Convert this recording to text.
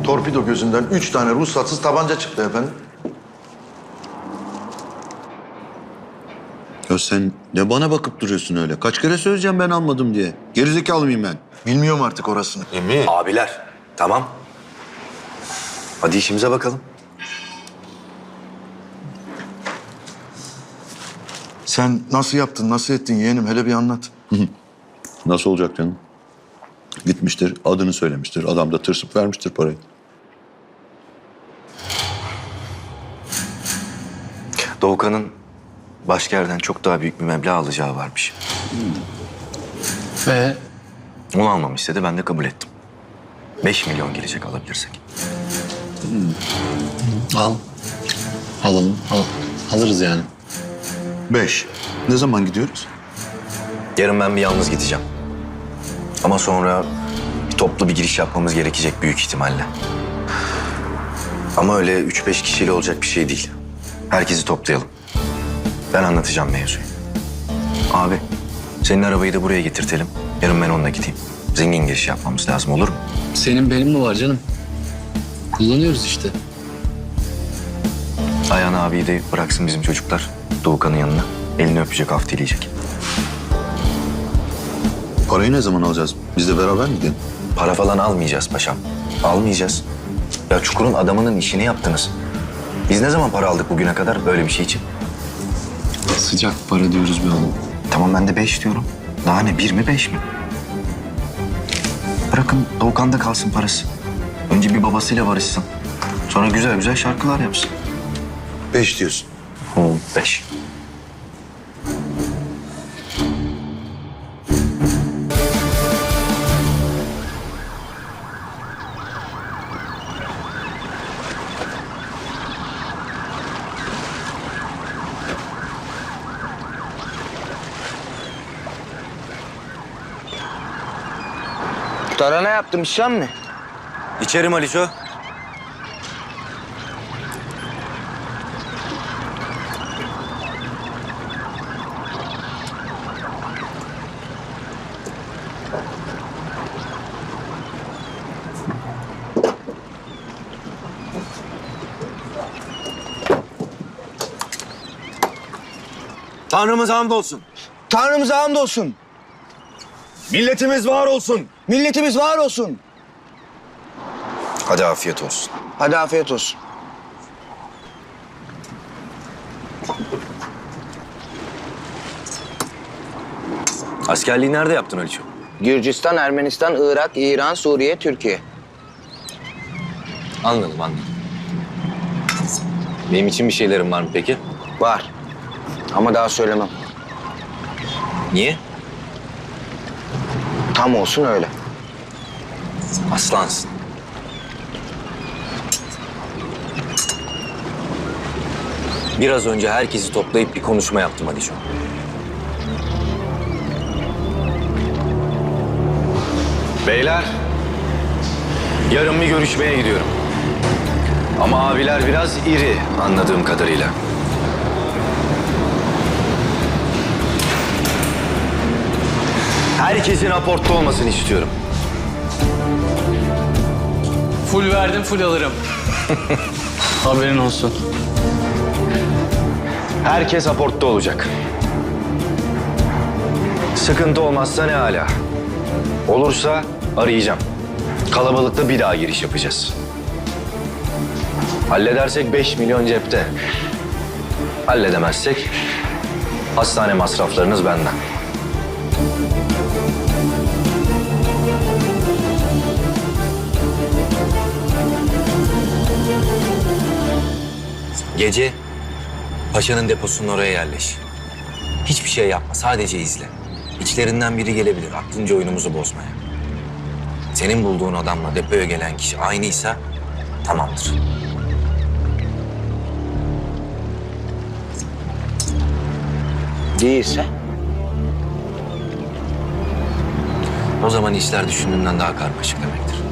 Torpido gözünden 3 tane ruhsatsız tabanca çıktı efendim. Ya sen ne bana bakıp duruyorsun öyle? Kaç kere söyleyeceğim ben almadım diye. Gerizekalı mıyım ben? Bilmiyorum artık orasını. Abiler, tamam. Hadi işimize bakalım. Sen nasıl yaptın, nasıl ettin yeğenim? Hele bir anlat. Nasıl olacak canım? Gitmiştir, adını söylemiştir. Adam da tırsıp vermiştir parayı. Doğukan'ın başka yerden çok daha büyük bir meblağ alacağı varmış. Ve Onu almamı istedi, ben de kabul ettim. 5 milyon gelecek alabilirsek. alalım. Alırız yani. 5. Ne zaman gidiyoruz? Yarın ben bir yalnız gideceğim. Ama sonra toplu bir giriş yapmamız gerekecek büyük ihtimalle. Ama öyle 3-5 kişiyle olacak bir şey değil. Herkesi toplayalım. Ben anlatacağım mevzuyu. Abi, senin arabayı da buraya getirtelim. Yarın ben onunla gideyim. Zengin giriş yapmamız lazım, olur mu? Senin benim mi var canım? Kullanıyoruz işte. Ayhan abiyi de bıraksın bizim çocuklar Doğukan'ın yanına. Elini öpecek, af dileyecek. Parayı ne zaman alacağız? Biz de beraber mi gidelim? Para falan almayacağız paşam. Almayacağız. Ya Çukur'un adamının işini yaptınız. Biz ne zaman para aldık bugüne kadar böyle bir şey için? Sıcak para diyoruz be oğlum. Tamam ben de 5 diyorum. Daha ne, 1 mi 5 mi? Bırakın Doğukan'da kalsın parası. Önce bir babasıyla barışsın. Sonra güzel güzel şarkılar yapsın. 5 diyorsun. 5. Tarhana yaptım, işlem mi? İçerim Aliço. Tanrımıza hamdolsun. Tanrımıza hamdolsun. Milletimiz var olsun. Milletimiz var olsun. Hadi afiyet olsun. Hadi afiyet olsun. Askerliği nerede yaptın Aliço? Gürcistan, Ermenistan, Irak, İran, Suriye, Türkiye. Anladım. Benim için bir şeylerin var mı peki? Var. Ama daha söylemem. Niye? Tam olsun öyle. Aslansın. Biraz önce herkesi toplayıp bir konuşma yaptım Aliço. Beyler, yarın bir görüşmeye gidiyorum. Ama abiler biraz iri anladığım kadarıyla. Herkesin aportta olmasını istiyorum. Full verdim, full alırım. Haberin olsun. Herkes aportta olacak. Sıkıntı olmazsa ne âlâ. Olursa arayacağım. Kalabalıkta bir daha giriş yapacağız. Halledersek 5 milyon cepte. Halledemezsek hastane masraflarınız benden. Gece paşanın deposunun oraya yerleş. Hiçbir şey yapma, sadece izle. İçlerinden biri gelebilir, aklınca oyunumuzu bozmaya. Senin bulduğun adamla depoya gelen kişi aynıysa tamamdır. Değilse? O zaman işler düşündüğünden daha karmaşık demektir.